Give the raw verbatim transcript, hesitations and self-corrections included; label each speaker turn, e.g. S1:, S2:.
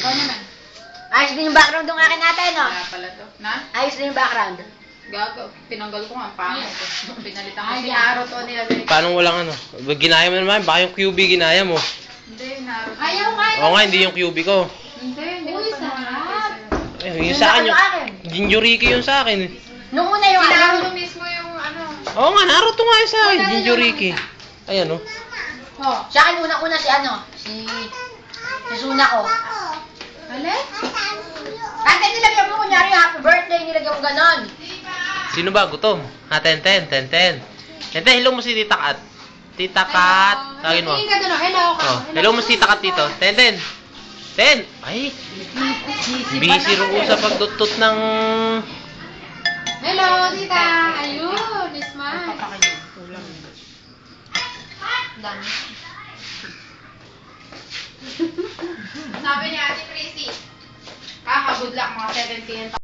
S1: Ikaw naman.
S2: Ayos din yung background ng akin natin, no?
S1: Kaya pala to. Na?
S2: Ayos din yung background.
S1: Gago. Tinanggal ko nga ang pangit. Pinalitan ko
S2: Ay,
S1: si
S2: di.
S1: Aro to nilagay.
S3: Paano walang ano? Ginaya mo naman, baka yung Q B ginaya mo.
S1: Hindi, Naro.
S2: Ayaw nga.
S3: Oo nga, hindi yung Q B ko.
S1: Hindi, hindi ko
S2: Uy,
S1: pa
S2: sarap.
S1: naman.
S3: Eh, yung sa akin, yung
S2: akin.
S3: Jinjuriki yung sa akin.
S2: Nung una yung
S1: Si
S2: ano.
S1: Naruto mismo yung ano.
S3: Oo nga, Naruto nga yung sa akin, Jinjuriki. Ayan o.
S2: Oh, sa akin unang-una si ano, si si Suna ko.
S1: Hali?
S2: Kasi nilagyan mo kunyari happy birthday, nilagyan mo ganon.
S3: Sino ba? Gutom? Ha, ten ten, ten ten. ten ten, hello mo si Tita Kat. Tita Kat. Tawagin mo.
S1: Tingin ka doon. Hello ka.
S3: Oh, hello mo si Tita Kat dito. ten ten. ten. Ay, busy ro sa pagdutot ng...
S1: Hello, tita. Ayun, smile.
S2: Dami.
S1: Sabi ni Ate Tracy, kaka-good luck mga seventeen